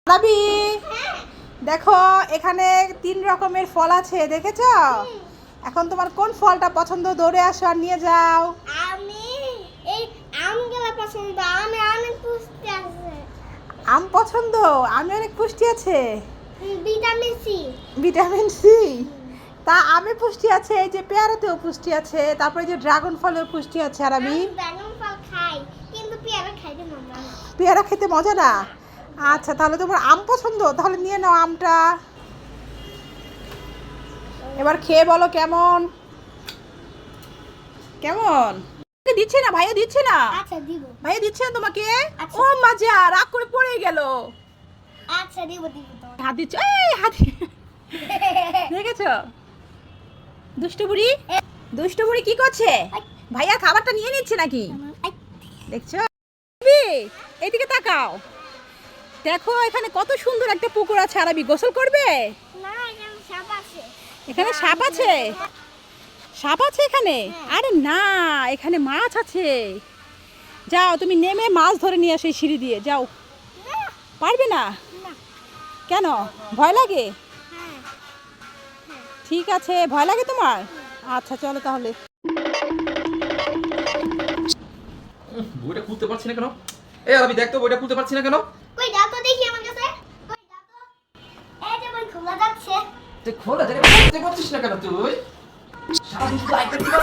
রাবি, দেখো এখানে 3 রকমের ফল আছে, দেখেছো? এখন তোমার কোন ফলটা পছন্দ? দৌড়ে আসো আর নিয়ে যাও। আমি এই আমগুলো পছন্দ। আমি অনেক পুষ্টি আছে। আম পছন্দ? আমি অনেক পুষ্টি আছে। Vitamin C. Vitamin C? তা আমে পুষ্টি আছে, এই যে পেয়ারাতেও পুষ্টি আছে, তারপরে যে ড্রাগন ফলেও পুষ্টি আছে। আর আমি ড্রাগন ফল খাই, কিন্তু পেয়ারা খাইতে মজা না। পেয়ারা খেতে মজা না? আচ্ছা, তাহলে তোমার আম পছন্দ, তাহলে নিয়ে নাও আমটা। এবার খেয়ে বলো কেমন কেমন। দিচ্ছে না ভাইয়া, দিচ্ছে না। আচ্ছা দিব। ভাইয়া দিচ্ছে না তোমাকে? আচ্ছা। ও মজা, রাগ করে পড়ে গেল। আচ্ছা দিব দিব তো। হাত দিচ্ছে, এই হাত দেখেছো? দুষ্টু বুড়ি, দুষ্টু বুড়ি কি করছে? ভাইয়া খাবারটা নিয়ে নিচ্ছে নাকি? দেখছো? এইদিকে তাকাও, দেখো এখানে কত সুন্দর একটা পুকুর আছে। আরবি গোসল করবে? না, এখানে সাপ আছে। এখানে সাপ আছে? সাপ আছে এখানে? আরে না, এখানে মাছ আছে। যাও তুমি নেমে মাছ ধরে নিয়ে আসো এই সিঁড়ি দিয়ে, যাও। পারবে না? না। কেন, ভয় লাগে? হ্যাঁ। ঠিক আছে, ভয় লাগে তোমার? আচ্ছা চলো তাহলে। বইটা খুলতে পারছি না কেন? এই আরবি দেখ তো, বইটা খুলতে পারছি না কেন? কই দাও তো দেখি আমার কাছে। কই দাও তো। এই যে বই খোলা যাচ্ছে। তুই খোলা জায়গা খুলতে পারছিস না কেন তুই? সারাদিন শুধু আইপ্যাড টিপা।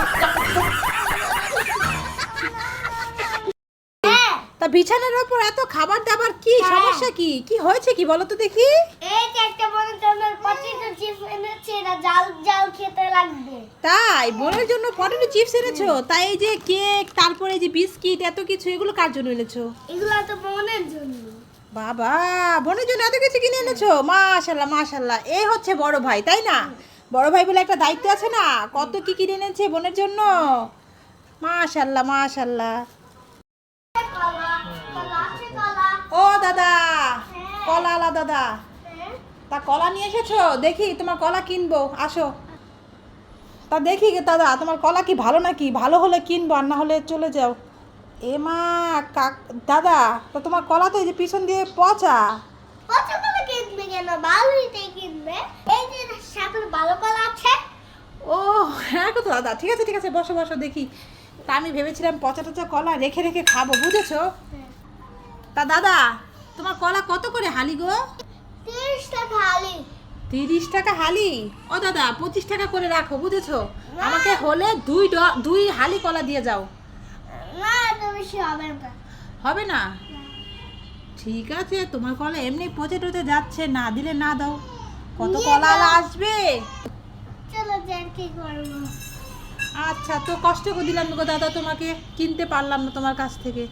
হ্যাঁ। তা বিছানার উপর এত খাবার দাবার কি সমস্যা? কি কি হয়েছে কি বলো তো দেখি। এই যে একটা বড় জনের পটেটো চিপস এনেছে, এটা জাল জাল খেতে লাগবে। তাই বোনের জন্য পটেটো চিপস এনেছো? তাই এই যে কেক, তারপরে এই যে বিস্কিট, এত কিছু এগুলো কার জন্য এনেছো? এগুলো তো বোনের জন্য। বাবা, বোনের জন্য এত কিছু কিনে এনেছো? মাশাল্লাহ মাশাল্লাহ, এই হচ্ছে বড় ভাই, তাই না? বড় ভাই বলে একটা দায়িত্ব আছে না? কত কি কিনে এনেছে বোনের জন্য। মাশাল্লাহ মাশাল্লাহ। কলা কলা আছে কলা। ও দাদা, কলা আলা দাদা, হ্যাঁ। তা কলা নিয়ে এসেছো? দেখি তোমার কলা কিনবো, আসো। তা দেখি গে দাদা, তোমার কলা কি ভালো নাকি? ভালো হলে কিনবো, আর না হলে চলে যাও। এ মা, দাদা, তো তোমার কলা তো এই যে পিছন দিয়ে পচা। পচা কলা কিনবে কেন? ভালোইটাই কিনবে। এই যে সাথে ভালো কলা আছে। ও হ্যাঁ গো দাদা, ঠিক আছে ঠিক আছে, বসো বসো দেখি। তা আমি ভেবেছিলাম পচা টচা কলা রেখে রেখে খাবো, বুঝেছো? তা দাদা, তোমার কলা কত করে হালি গো? 30 টাকা হালি। 30 টাকা হালি? ও দাদা, 25 টাকা করে রাখো, বুঝেছো? আমাকে হলে দুই হালি কলা দিয়ে যাও। না, এত বেশি হবে না। হবে না? ঠিক আছে, তোমার কলা এমনি পচে টচে যাচ্ছে, না দিলে না দাও। কত নিয়ে কলা আলা যাও। আসবে? চলো যার কি করবো। আচ্ছা, তো কষ্ট করে দিলাম গো দাদা, তোমাকে কিনতে পারলাম না তোমার কাছ থেকে।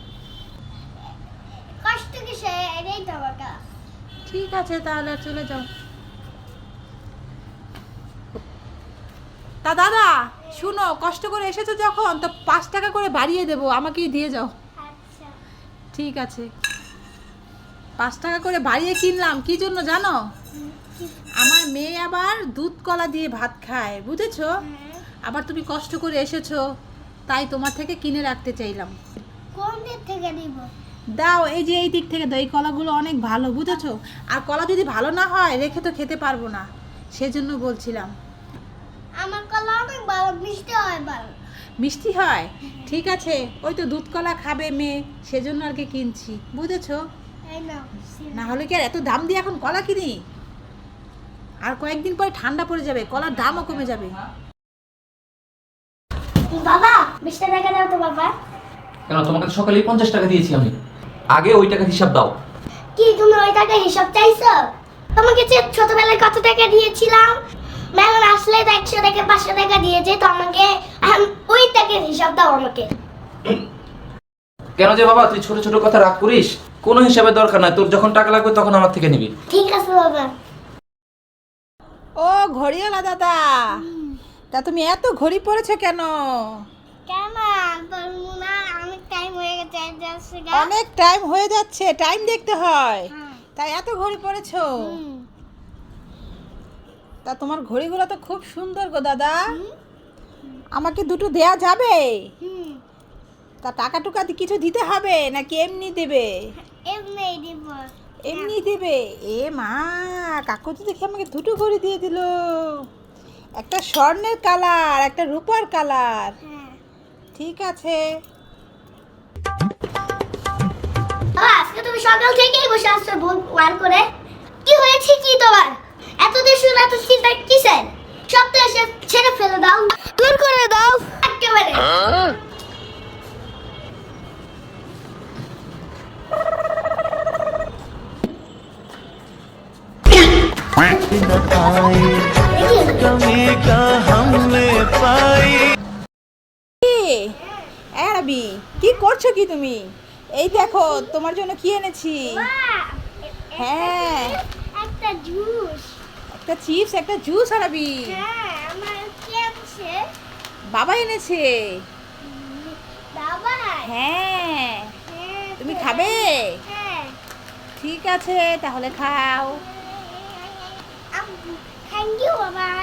কষ্ট কিসে? এটাই তো আমার কাজ। ঠিক আছে, তাহলে আর চলে যাও। তা দাদা শুনো, কষ্ট করে এসেছো যখন, তো 5 টাকা করে বাড়িয়ে দেবো, আমাকেই দিয়ে যাও। আচ্ছা। ঠিক আছে, 5 টাকা করে বাড়িয়ে কিনলাম কি জন্য জানো? আমার মেয়ে আবার দুধ কলা দিয়ে ভাত খায়, বুঝেছো? আবার তুমি কষ্ট করে এসেছো, তাই তোমার থেকে কিনে রাখতে চাইলাম। কোন দিক থেকে নিব? দাও, এই যে এই দিক থেকে দাও, এই কলাগুলো অনেক ভালো, বুঝেছো? আর কলা যদি ভালো না হয় রেখে তো খেতে পারবো না, সেজন্য বলছিলাম। আমার কলা অনেক ভালো, মিষ্টি হয় ভালো। মিষ্টি হয়? ঠিক আছে, ওই তো দুধ কলা খাবে মেয়ে, সেজন্য আর কি কিনছি, বুঝেছো? এই নাও। না হলে কি আর এত দাম দিয়ে এখন কলা কিনি? আর কয়েকদিন পরে ঠান্ডা পড়ে যাবে, কলার দামও কমে যাবে। বাবা 20 টাকা দাও তো বাবা। কেন, তোমাকে তো সকালেই 50 টাকা দিয়েছি আমি। আগে ওই টাকার হিসাব দাও। কি তুমি ওই টাকা হিসাব চাইছো? তোমাকে যে ছোটবেলায় কত টাকা দিয়েছিলাম, মেলান আসলে তো 100 টাকা 500 টাকা দিয়েছে, তো আমাকে এখন ওই টাকার হিসাব দাও আমাকে। কেন যে বাবা তুই ছোট ছোট কথা রাগ করিস? কোনো হিসাবের দরকার নাই, তোর যখন টাকা লাগবে তখন আমার থেকে নিবি। ঠিক আছে বাবা। ও ঘড়িওয়ালা দাদা, তা তুমি এত ঘড়ি পরেছো কেন? কেন বলবো না, অনেক টাইম হয়ে গেছে যাচ্ছে গা। অনেক টাইম হয়ে যাচ্ছে, টাইম দেখতে হয়, হ্যাঁ। তাই এত ঘড়ি পরেছো? তা তোমার ঘড়িগুলো তো খুব সুন্দর গো দাদা, আমাকে দুটো দেয়া যাবে? তা টাকা টুকা কিছু দিতে হবে নাকি এমনি দেবে? এমনি দিব। এমনি দেবে? এ মা, কাকু তো দেখে আমাকে দুটো করে দিয়ে দিল, একটা স্বর্ণের কালার, একটা রূপার কালার। হ্যাঁ ঠিক আছে। বাবা, আজকে তুমি সকাল থেকেই বসে আসছো ভুল বার করে। কি হয়েছে কি তোমার? এত দেশ এত চিন্তা কিসের? সব তো এসে ছেড়ে ফেলে দাও, দূর করে দাও একেবারে। कमी का हमने पाई। আরবি, কি করছো কি তুমি? এই দেখো তোমার জন্য কি এনেছি। হ্যাঁ, একটা জুস। একটা চিপস, একটা জুস। আরবি, হ্যাঁ, আমার কি আছে? বাবা এনেছে। বাবা। হ্যাঁ, হ্যাঁ, তুমি খাবে? হ্যাঁ। ঠিক আছে, তাহলে খাও। থ্যাংক ইউ বাবা।